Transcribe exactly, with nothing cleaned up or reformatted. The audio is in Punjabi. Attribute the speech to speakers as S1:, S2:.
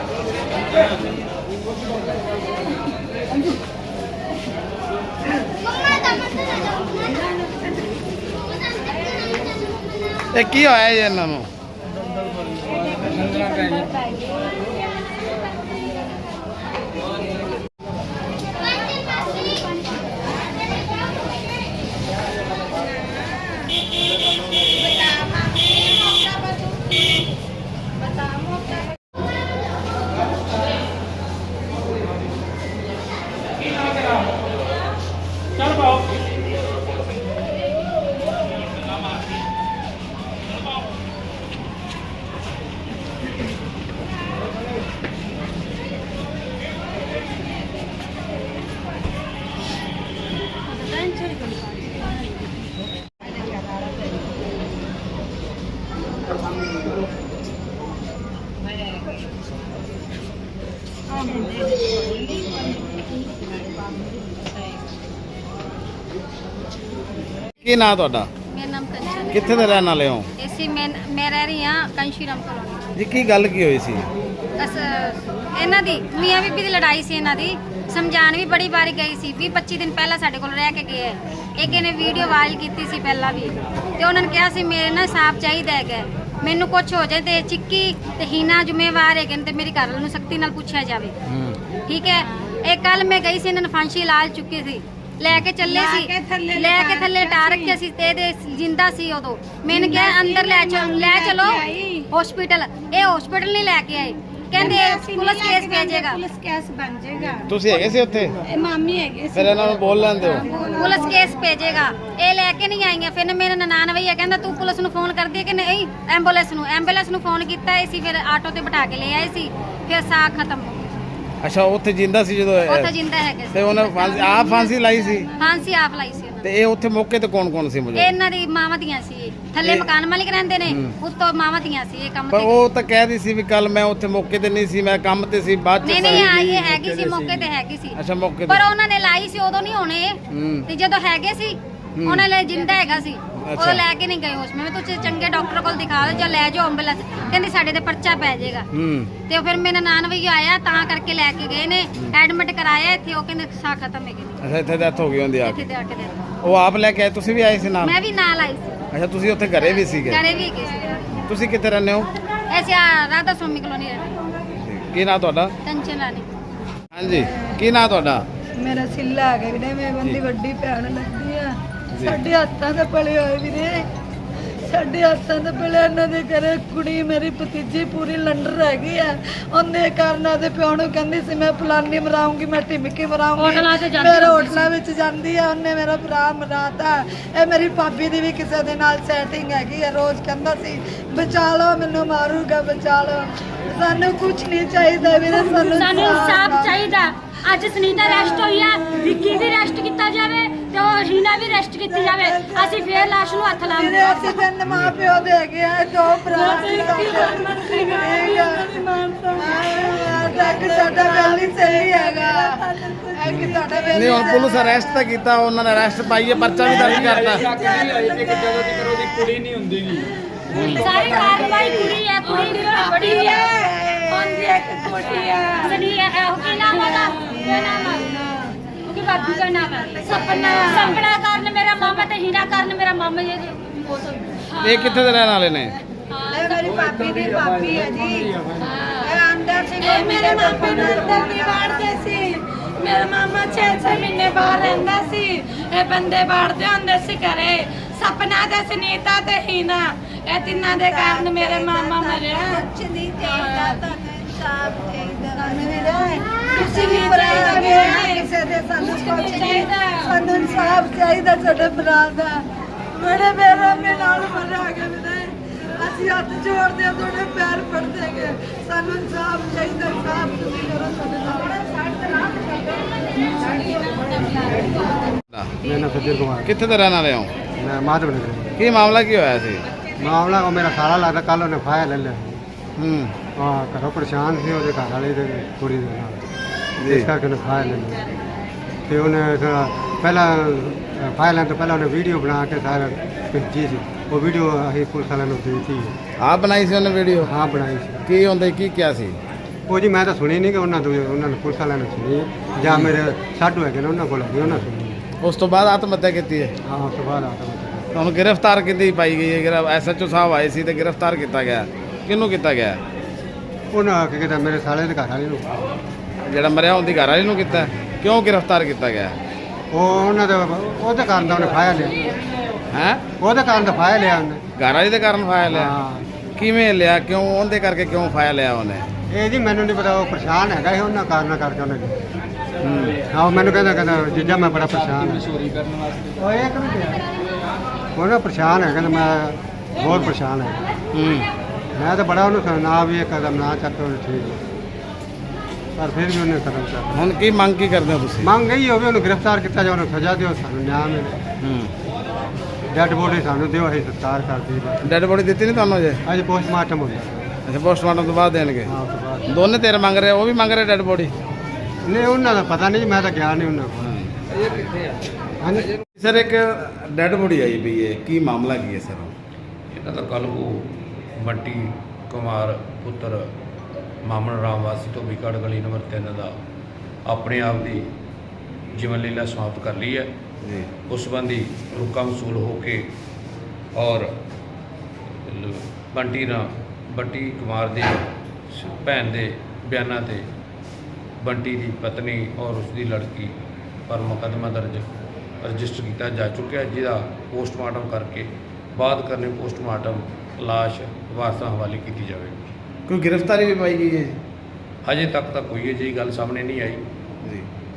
S1: ਇਹ ਕੀ ਹੋਇਆ ਜੀ ਇਹਨਾਂ ਨੂੰ?
S2: चल पाओ
S1: ਕੀ ਨਾਂ ਤੁਹਾਡਾ?
S3: ਮੇਰਾ ਨਾਮ ਕੰਚਨ।
S1: ਕਿੱਥੇ ਦੇ ਰਹਿਣ ਵਾਲੇ ਹੋ?
S3: ਇਸੀ ਮੈਂ ਮੈਂ ਰਹਿ ਰਹੀ ਹਾਂ ਕੰਸ਼ੀਰਾਮ ਕਲੋਨੀ।
S1: ਜੀ ਕੀ ਗੱਲ ਕੀ ਹੋਈ ਸੀ?
S3: ਬਸ ਇਹਨਾਂ ਦੀ ਮੀਆਂ ਬੀਬੀ ਦੀ ਲੜਾਈ ਸੀ। ਇਹਨਾਂ ਦੀ ਸਮਝਾਣ ਵੀ ਬੜੀ ਵਾਰੀ ਗਈ ਸੀ। ਵੀਹ ਪੱਚੀ ਦਿਨ ਪਹਿਲਾਂ ਸਾਡੇ ਕੋਲ ਰਹਿ ਕੇ ਗਏ। ਇੱਕ ਇਹਨੇ ਵੀਡੀਓ ਵਾਇਰਲ ਕੀਤੀ ਸੀ ਪਹਿਲਾਂ ਵੀ, ਤੇ ਉਹਨਾਂ ਨੇ ਕਿਹਾ ਸੀ ਮੇਰੇ ਨਾਲ ਸਾਫ ਚਾਹੀਦਾ ਹੈਗਾ, ਮੈਨੂੰ ਕੁਝ ਹੋ ਜਾਏ ਤੇ ਚਿੱਕੀ ਤੇ ਹੀਨਾ ਜ਼ਿੰਮੇਵਾਰ ਹੈਗੇ ਨੇ ਤੇ ਮੇਰੀ ਘਰ ਵਾਲੇ ਨੂੰ ਸਖਤੀ ਨਾਲ ਪੁੱਛਿਆ ਜਾਵੇ। ਠੀਕ ਹੈ। ਇਹ ਕੱਲ ਮੈਂ ਗਈ ਸੀ, ਇਹਨਾਂ ਨੇ ਫਾਂਸੀ ਲਾ ਚੁੱਕੀ ਸੀ, ਲੈ ਕੇ ਚੱਲੇ ਸੀ, ਲੈ ਕੇ ਥੱਲੇ ਟਾਰ ਰੱਖਿਆ ਸੀ ਤੇ ਇਹਦੇ ਜਿੰਦਾ ਸੀ ਉਦੋਂ। मैंने ਕਿਹਾ ਅੰਦਰ ਲੈ ਚਲੋ, ਲੈ ਚਲੋ ਹਸਪੀਟਲ। ਇਹ ਹਸਪੀਟਲ ਨਹੀਂ ਲੈ ਕੇ ਆਏ, ਕਹਿੰਦੇ ਪੁਲਿਸ ਕੇਸ ਭੇਜੇਗਾ।
S4: ਪੁਲਿਸ ਕੇਸ ਬਣ ਜਾਏਗਾ।
S1: ਤੁਸੀਂ ਹੈਗੇ ਸੀ ਉੱਥੇ?
S4: ਇਹ ਮਾਮੀ ਹੈਗੇ
S1: ਫਿਰ ਇਹਨਾਂ ਨੂੰ ਬੋਲ ਲੈਂਦੇ ਹੋ।
S3: ਪੁਲਿਸ ਕੇਸ ਭੇਜੇਗਾ। ਇਹ ਲੈ ਕੇ ਨਹੀਂ ਆਈਆਂ। ਫਿਰ ਮੇਰੇ ਨਨਾਣ ਭਈਆ ਕਹਿੰਦਾ ਤੂੰ ਪੁਲਿਸ ਨੂੰ ਫੋਨ ਕਰਦੀ ਹੈ ਕਿ ਨਹੀਂ? ਐਂਬੂਲੈਂਸ ਨੂੰ ਐਂਬੂਲੈਂਸ ਨੂੰ ਫੋਨ ਕੀਤਾ ਸੀ, ਫਿਰ ਆਟੋ ਤੇ ਬਿਠਾ ਕੇ ਲੈ ਆਏ ਸੀ, ਫਿਰ ਸਾਹ ਖਤਮ ਹੋ ਗਿਆ।
S1: ਅੱਛਾ, ਉੱਥੇ ਜਿੰਦਾ ਸੀ ਜਦੋਂ?
S3: ਉੱਥੇ ਜਿੰਦਾ ਹੈਗੇ ਸੀ
S1: ਤੇ ਉਹਨੇ ਫਾਂਸੀ ਆਪ ਫਾਂਸੀ ਲਾਈ ਸੀ?
S3: ਫਾਂਸੀ ਆਪ ਲਾਈ ਸੀ।
S1: ਤੇ ਇਹ ਉੱਥੇ ਮੌਕੇ ਤੇ ਕੌਣ ਕੌਣ ਸੀ? ਮੁਝੇ
S3: ਇਹਨਾਂ ਦੀ ਮਾਵਾਂ ਦੀਆਂ ਸੀ। ਥੱਲੇ ਮਕਾਨ ਮਾਲਿਕ ਰਹਿੰਦੇ ਨੇ, ਉੱਤੋਂ ਮਾਵਾਂ ਦੀਆਂ ਸੀ। ਇਹ ਕੰਮ
S1: ਪਰ
S3: ਤੇ
S1: ਉਹ ਤਾਂ ਕਹਿ ਰਹੀ ਸੀ ਵੀ ਕੱਲ ਮੈਂ ਉੱਥੇ ਮੌਕੇ ਤੇ ਨਹੀਂ ਸੀ, ਮੈਂ ਕੰਮ ਤੇ ਸੀ, ਬਾਅਦ ਚ
S3: ਨਹੀਂ ਨਹੀਂ ਆਈ ਹੈਗੀ ਸੀ, ਮੌਕੇ ਤੇ ਹੈਗੀ ਸੀ।
S1: ਅੱਛਾ, ਮੌਕੇ
S3: ਪਰ
S1: ਤੇ।
S3: ਉਹਨਾਂ ਨੇ ਲਾਈ ਸੀ ਉਦੋਂ ਨਹੀਂ ਹੋਣੇ,
S1: ਹੂੰ।
S3: ਤੇ ਜਦੋਂ ਹੈਗੇ ਸੀ ਉਹਨਾਂ ਲਈ ਜਿੰਦਾ ਹੈਗਾ ਸੀ, ਉਹ ਲੈ ਕੇ ਨਹੀਂ ਗਏ ਹਸਪਤਾਲ। ਤੁਸੀਂ ਚੰਗੇ ਡਾਕਟਰ ਕੋਲ ਦਿਖਾ ਲਓ ਜਾਂ ਲੈ ਜਾਓ ਐਂਬੂਲੈਂਸ। ਕਹਿੰਦੇ ਸਾਡੇ ਤੇ ਪਰਚਾ ਪੈ ਜਾਏਗਾ।
S1: ਹੂੰ।
S3: ਤੇ ਫਿਰ ਮੇਰਾ ਨਾਨ ਭਈਆ ਆਇਆ ਤਾਂ ਕਰਕੇ ਲੈ ਕੇ ਗਏ ਨੇ, ਐਡਮਿਟ ਕਰਾਇਆ ਇੱਥੇ। ਉਹ ਕਹਿੰਦੇ ਸਾਹ ਖਤਮ ਹੈ ਗਈ।
S1: ਅੱਛਾ, ਇੱਥੇ ਡੈਥ ਹੋ ਗਈ ਹੁੰਦੀ ਆ
S3: ਇੱਥੇ
S1: ਕੇ।
S3: ਤੇ ਆ ਕੇ ਦੇਖ।
S1: ਉਹ ਆਪ ਲੈ ਕੇ ਆਏ? ਤੁਸੀਂ ਵੀ ਆਏ ਸੀ ਨਾਲ?
S3: ਮੈਂ ਵੀ ਨਾਲ ਆਈ ਸੀ।
S1: ਅੱਛਾ, ਤੁਸੀਂ ਉੱਥੇ ਘਰੇ ਵੀ ਸੀਗੇ?
S3: ਘਰੇ ਵੀ ਗਏ ਸੀ।
S1: ਤੁਸੀਂ ਕਿੱਥੇ ਰਹਿੰਦੇ ਹੋ?
S3: ਐਸੇ ਆ ਰਾਧਾ ਸਵਾਮੀ ਕਲੋਨੀ ਰਹਿੰਦੇ।
S1: ਕੀ ਨਾਂ ਤੁਹਾਡਾ?
S3: ਟੈਨਸ਼ਨ ਰਾਣੀ।
S1: ਹਾਂਜੀ, ਕੀ ਨਾਂ ਤੁਹਾਡਾ?
S4: ਮੇਰਾ ਸਿੱਲਾ ਹੈਗਾ ਵੀਰੇ, ਮੈਂ ਬੰਦੀ ਵੱਡੀ ਭੈਣ ਲੱਗਦੀ ਆ। ਸਾਡੇ ਹੱਥਾਂ ਦੇ ਪਲੇ ਹੋਏ ਵੀਰੇ, ਸਾਡੇ ਹੱਥਾਂ ਦੇ ਪਲੇ। ਇਹਨਾਂ ਦੇ ਘਰੇ ਕੁੜੀ ਮੇਰੀ ਭਤੀਜੀ ਪੂਰੀ ਲੰਡਰ ਹੈਗੀ ਆ। ਉਹਨੇ ਕਾਰਨਾਂ ਦੇ ਪਿਓ ਨੂੰ ਕਹਿੰਦੀ ਸੀ ਮੈਂ ਫਲਾਨੀ ਮਰਾਉਂਗੀ, ਮੈਂ ਢਿਮਕੀ ਮਰਾਉਂਗੀ, ਮੇਰੇ ਹੋਟਲਾਂ ਵਿੱਚ ਜਾਂਦੀ ਆ। ਉਹਨੇ ਮੇਰਾ ਭਰਾ ਮਰਾਤਾ। ਇਹ ਮੇਰੀ ਭਾਬੀ ਦੀ ਵੀ ਕਿਸੇ ਦੇ ਨਾਲ ਸੈਟਿੰਗ ਹੈਗੀ ਆ। ਰੋਜ਼ ਕਹਿੰਦਾ ਸੀ ਬਚਾ ਲਓ ਮੈਨੂੰ, ਮਾਰੂਗਾ, ਬਚਾ ਲਓ। ਸਾਨੂੰ ਕੁਝ ਨਹੀਂ ਚਾਹੀਦਾ ਵੀਰੇ, ਸਾਨੂੰ
S5: ਸਾਨੂੰ ਇਨਸਾਫ ਚਾਹੀਦਾ। ਅੱਜ ਸੁਨੀਤਾ ਰੈਸਟ ਹੋਈ ਆ, ਵਿੱਕੀ ਵੀ ਰੈਸਟ ਕੀਤਾ ਜਾਵੇ ਤੇ ਉਹ ਹੀਨਾ ਵੀ ਰੈਸਟ ਕੀਤੀ ਜਾਵੇ। ਅਸੀਂ ਫੇਰ ਲਾਸ਼ ਨੂੰ ਹੱਥ ਲਾਵਾਂਗੇ।
S4: ਵੀਰੇ ਅਸੀਂ ਤਿੰਨ ਮਾਂ ਪਿਓ ਦੇ ਹੈਗੇ ਆ, ਦੋ ਭਰਾ ਸੀ। ਸਾਡਾ ਵੈਲੀ ਸਹੀ ਹੈਗਾ। ਇੱਕ ਸਾਡਾ ਵੈਲੀ
S1: ਨਹੀਂ, ਹੁਣ ਪੁਲਿਸ ਅਰੈਸਟ ਤਾਂ ਕੀਤਾ, ਉਹਨਾਂ ਨੇ ਅਰੈਸਟ ਪਾਈਏ, ਪਰਚਾ ਵੀ ਦਰਜ ਕਰਤਾ।
S2: ਕੁੜੀ ਨਹੀਂ ਹੁੰਦੀ ਨੀ।
S5: ਸਾਰੀ ਕਾਰਵਾਈ ਕੁੜੀ ਹੈ, ਕੁੜੀ ਦੀ ਬੜੀ ਹੈ। ਹੁੰਦੀ ਹੈ ਕਿ ਕੁੜੀ ਹੈ। ਸਨੀ ਹੈ ਉਹ ਕੀ ਨਾਮ ਉਹਦਾ? ਕੀ ਨਾਮ ਹੈ? ਉਹਦੀ ਬਾਬੂ ਦਾ ਨਾਮ ਹੈ ਸਪਨਾ। ਸਪਨਾ ਕਾਰਨ ਮੇਰਾ ਮਾਮਾ ਤੇ ਹੀਰਾ ਕਾਰਨ ਮੇਰਾ ਮਾਮਾ ਜੀ ਦੀ ਮੌਤ ਹੋਈ।
S1: ਇਹ ਕਿੱਥੇ ਦੇ ਰਹਿਣ ਵਾਲੇ ਨੇ?
S4: ਇਹ ਮੇਰੀ ਭਾਬੀ ਦੀ ਭਾਬੀ ਹੈ ਜੀ। ਇਹ ਅੰਦਰ ਸੀ,
S5: ਇਹ ਮੇਰੇ ਮਾਮੇ ਨੂੰ ਅੰਦਰ ਨਹੀਂ ਵਾੜਦੇ ਸੀ। ਮੇਰਾ ਮਾਮਾ ਛੇ ਛੇ ਮਹੀਨੇ ਬਾਹਰ ਰਹਿੰਦਾ ਸੀ। ਇਹ ਬੰਦੇ ਵਾੜਦੇ ਹੁੰਦੇ ਸੀ ਘਰੇ। ਸਪਨਾ ਤੇ ਸੁਨੀਤਾ ਤੇ ਹੀਨਾ, ਇਹ ਤਿੰਨਾਂ ਦੇ ਕਾਰਨ ਮੇਰੇ ਮਾਮਾ ਮਰਿਆ।
S4: ਕੁਛ ਨਹੀਂ ਚਾਹੀਦਾ, ਤੁਹਾਨੂੰ ਇਨਸਾਫ ਚਾਹੀਦਾ। ਤੁਸੀਂ ਵੀ ਭਰਾ ਗਏ ਕਿਸੇ ਦੇ, ਸਾਨੂੰ ਕੁਛ ਨਹੀਂ। ਸਾਨੂੰ ਇਨਸਾਫ ਚਾਹੀਦਾ ਸਾਡੇ ਭਰਾ ਦਾ। ਮੇਰੇ ਮੇਰਾ ਮੇ ਨਾਲ ਮਰਿਆ ਗਿਆ ਵੀਰੇ। ਅਸੀਂ ਹੱਥ ਜੋੜਦੇ ਆ, ਤੁਹਾਡੇ ਪੈਰ ਪੜਦੇ ਗਏ। ਸਾਨੂੰ ਇਨਸਾਫ ਚਾਹੀਦਾ। ਇਨਸਾਫ ਤੁਸੀਂ ਕਰੋ ਸਾਡੇ ਨਾਲ।
S6: मेरा नाम सज्जन कुमार।
S1: ਕਿੱਥੇ ਦੇ ਰਹਿਣ ਵਾਲੇ ਹੋ?
S6: मैं माधव नगर।
S1: ਕੀ ਮਾਮਲਾ ਕੀ ਹੋਇਆ ਸੀ?
S6: मामला को मेरा सारा लगता कल उन्हें फाया ले लिया।
S1: ਹੂੰ।
S6: हाँ, घरों परेशान थे, वो घर वाले कुड़ी दे नाल। इस करके उन्हें फाया ले लिया। फिर उन्हें थोड़ा पहला फाया लेने तो पहले उन्हें वीडियो बना के सारा भेजी सी। वो वीडियो अभी पुलिस वाले ने दी थी।
S1: ਆਪ ਬਣਾਈ ਸੀ ਉਹਨੇ ਵੀਡੀਓ?
S6: हाँ, बनाई सी।
S1: ਕੀ ਹੁੰਦਾ ਕੀ ਕਿਹਾ ਸੀ?
S6: ਉਹ ਜੀ ਮੈਂ ਤਾਂ ਸੁਣੀ ਨਹੀਂ ਕਿ ਉਹਨਾਂ ਤੋਂ ਉਹਨਾਂ ਨੇ ਪੁਲਿਸ ਵਾਲਿਆਂ ਨੇ ਸੁਣੀ ਹੈ। ਜਾਂ ਮੇਰੇ ਸਾਡੂ ਹੈਗੇ ਨੇ ਉਹਨਾਂ ਕੋਲ ਹੈਗੇ ਉਹਨਾਂ ਸੁਣੀ ਹੈ।
S1: ਉਸ ਤੋਂ ਬਾਅਦ ਆਤਮ ਹੱਤਿਆ ਕੀਤੀ ਹੈ।
S6: ਹਾਂ ਉਸ ਤੋਂ ਬਾਅਦ ਆਤਾ
S1: ਤੁਹਾਨੂੰ ਗ੍ਰਿਫਤਾਰ ਕਿੱਦੀ ਪਾਈ ਗਈ ਹੈ? ਗ੍ਰਿਫ ਐਸ ਐਚ ਓ ਸਾਹਿਬ ਆਏ ਸੀ ਤੇ ਗ੍ਰਿਫਤਾਰ ਕੀਤਾ ਗਿਆ, ਕਿਹਨੂੰ ਕੀਤਾ ਗਿਆ?
S6: ਉਹਨਾਂ ਕੀ ਕਹਿੰਦਾ ਮੇਰੇ ਸਾਲੇ ਦੇ ਘਰ ਵਾਲੇ ਨੂੰ।
S1: ਜਿਹੜਾ ਮਰਿਆ ਉਹਦੀ ਘਰ ਵਾਲੀ ਨੂੰ ਕੀਤਾ? ਕਿਉਂ ਗ੍ਰਿਫਤਾਰ ਕੀਤਾ ਗਿਆ?
S6: ਉਹ ਉਹਨਾਂ ਦੇ ਉਹਦੇ ਕਾਰਨ ਦਾ ਉਹਨੇ ਫਾਇਆ ਲਿਆ
S1: ਹੈ
S6: ਉਹਦੇ ਕਾਰਨ ਦਾ ਫਾਇਆ ਲਿਆ ਉਹਨੇ।
S1: ਘਰ ਵਾਲੀ ਦੇ ਕਾਰਨ ਫਾਇਆ ਲਿਆ?
S6: ਹਾਂ
S1: ਕਿਵੇਂ ਲਿਆ? ਕਿਉਂ? ਉਹਦੇ ਕਰਕੇ ਕਿਉਂ ਫਾਇਆ ਲਿਆ ਉਹਨੇ?
S6: ਇਹ ਜੀ ਮੈਨੂੰ ਨਹੀਂ ਪਤਾ, ਉਹ ਪਰੇਸ਼ਾਨ ਹੈਗਾ ਸੀ ਉਹਨਾਂ ਕਾਰਨਾਂ ਕਰਕੇ ਉਹਨੇ।
S1: ਹੂੰ।
S6: ਹਾਂ ਉਹ ਮੈਨੂੰ ਕਹਿੰਦਾ ਕਹਿੰਦਾ ਜੀਜਾ ਮੈਂ ਬੜਾ ਪਰੇਸ਼ਾਨ ਹਾਂ। ਚੋਰੀ ਕਰਨ ਵਾਸਤੇ ਉਹ ਇੱਕ ਮਿੰਟ ਉਹਨਾਂ ਪਰੇਸ਼ਾਨ ਹੈ ਕਹਿੰਦਾ ਮੈਂ ਬਹੁਤ ਪਰੇਸ਼ਾਨ ਹੈ।
S1: ਹੂੰ।
S6: ਮੈਂ ਤਾਂ ਬੜਾ ਉਹਨੂੰ ਨਾ ਵੀ ਇਹ ਕਦਮ ਨਾ ਚੱਕ ਠੀਕ ਹੈ। ਪਰ ਫਿਰ ਵੀ ਉਹਨੇ ਕਦਮ ਚੱਕ।
S1: ਹੁਣ ਕੀ ਮੰਗ ਕੀ ਕਰਦੇ ਹੋ ਤੁਸੀਂ?
S6: ਮੰਗ ਗਈ ਹੋਵੇ ਉਹਨੂੰ ਗ੍ਰਿਫਤਾਰ ਕੀਤਾ ਜਾਵੇ, ਉਹਨੂੰ ਸਜ਼ਾ ਦਿਓ, ਸਾਨੂੰ ਨਿਆਂ ਮਿਲੇ।
S1: ਹੂੰ।
S6: ਡੈਡ ਬੋਡੀ ਸਾਨੂੰ ਦਿਓ, ਅਸੀਂ ਸਤਿਕਾਰ ਕਰਦੀ
S1: ਡੈਡ ਬੋਡੀ ਦਿੱਤੀ ਨਹੀਂ ਤੁਹਾਨੂੰ ਅਜੇ?
S6: ਅੱਜ ਪੋਸਟਮਾਰਟਮ ਹੁੰਦਾ।
S1: ਅੱਛਾ, ਪੋਸਟਮਾਰਟਮ ਤੋਂ ਬਾਅਦ ਦੇਣਗੇ।
S6: ਹਾਂ ਉਸ ਤੋਂ ਬਾਅਦ
S1: ਦੋਨੇ ਤੇਰੇ ਮੰਗ ਰਹੇ, ਉਹ ਵੀ ਮੰਗ ਰਹੇ ਡੈਡ ਬੋਡੀ?
S6: ਨਹੀਂ ਉਹਨਾਂ ਦਾ ਪਤਾ ਨਹੀਂ ਜੀ, ਮੈਂ ਤਾਂ ਗਿਆ ਨਹੀਂ ਉਹਨਾਂ ਕੋਲ।
S1: ਇਹ ਕਿੱਥੇ ਆ?
S6: ਹਾਂਜੀ
S1: ਸਰ ਇੱਕ ਡੈਡ ਬੋਡੀ ਆਈ ਪਈ ਹੈ, ਕੀ ਮਾਮਲਾ ਕੀ ਹੈ ਸਰ?
S2: ਇਹਨਾਂ ਦਾ ਕੱਲ੍ਹ ਉਹ ਬੰਟੀ ਕੁਮਾਰ ਪੁੱਤਰ ਮਾਮਨ ਰਾਮ ਵਾਸੀ ਤੋਂ ਵਿਕੜ ਗਲੀ ਨੰਬਰ ਤਿੰਨ ਦਾ ਆਪਣੇ ਆਪ ਦੀ ਜੀਵਨ ਲੀਲਾ ਸਮਾਪਤ ਕਰ ਲਈ ਹੈ।
S1: ਜੀ।
S2: ਉਸ ਸੰਬੰਧੀ ਰੁਕਾ ਵਸੂਲ ਹੋ ਕੇ ਔਰ ਲ- ਬੰਟੀ ਨਾ ਬੰਟੀ ਕੁਮਾਰ ਦੀ ਸ- ਭੈਣ ਦੇ ਬਿਆਨਾਂ ਤੇ ਬੰਟੀ ਦੀ ਪਤਨੀ ਔਰ ਉਸ ਦੀ ਲੜਕੀ ਪਰ ਮੁਕੱਦਮਾ ਦਰਜ ਰਜਿਸਟਰ ਕੀਤਾ ਜਾ ਚੁੱਕਿਆ, ਜਿਹਦਾ ਪੋਸਟਮਾਰਟਮ ਕਰਕੇ ਬਾਅਦ ਕਰਨੇ ਪੋਸਟਮਾਰਟਮ ਲਾਸ਼ ਵਾਰਸਾਂ ਹਵਾਲੇ ਕੀਤੀ ਜਾਵੇਗੀ।
S1: ਕੋਈ ਗ੍ਰਿਫਤਾਰੀ ਵੀ ਪਾਈ ਗਈ ਹੈ?
S2: ਹਜੇ ਤੱਕ ਤਾਂ ਕੋਈ ਅਜਿਹੀ ਗੱਲ ਸਾਹਮਣੇ ਨਹੀਂ ਆਈ।
S1: ਜੀ।